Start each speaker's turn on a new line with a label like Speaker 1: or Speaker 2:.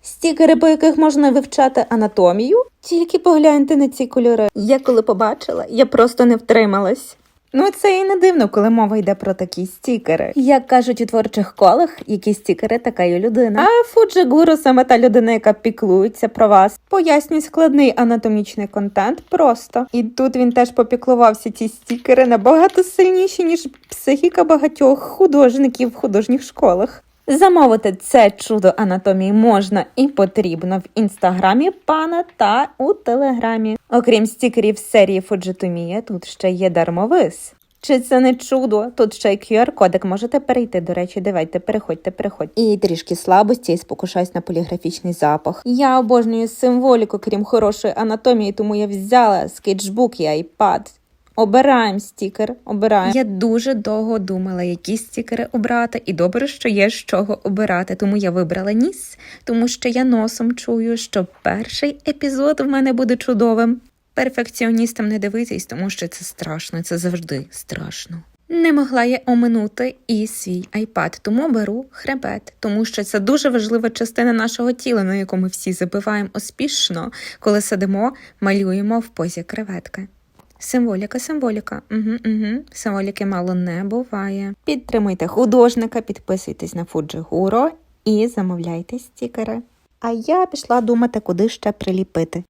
Speaker 1: Стікери, по яких можна вивчати анатомію? Тільки погляньте на ці кольори. Я коли побачила, я просто не втрималась. Ну, це і не дивно, коли мова йде про такі стікери. Як кажуть у творчих колах, які стікери, така й людина. А Фуджигуру саме та людина, яка піклується про вас. Пояснює складний анатомічний контент просто. І тут він теж попіклувався, ці стікери набагато сильніші, ніж психіка багатьох художників в художніх школах. Замовити це чудо анатомії можна і потрібно в інстаграмі пана та у телеграмі. Окрім стікерів з серії Фуджитомія, тут ще є дармовис. Чи це не чудо? Тут ще й QR-кодик, можете перейти, до речі, давайте, переходьте. І трішки слабості, і спокушаюсь на поліграфічний запах. Я обожнюю символіку, крім хорошої анатомії, тому я взяла скетчбук і айпад. Обираємо стікер, обираємо. Я дуже довго думала, які стікери обрати, і добре, що є з чого обирати, тому я вибрала ніс, тому що я носом чую, що перший епізод в мене буде чудовим. Перфекціоністам не дивитись, тому що це страшно, це завжди страшно. Не могла я оминути і свій айпад, тому беру хребет, тому що це дуже важлива частина нашого тіла, на яку ми всі забиваємо успішно, коли сидимо, малюємо в позі креветки. Символіка. Символіки мало не буває. Підтримуйте художника, підписуйтесь на Фуджигуру і замовляйте стікери. А я пішла думати, куди ще приліпити.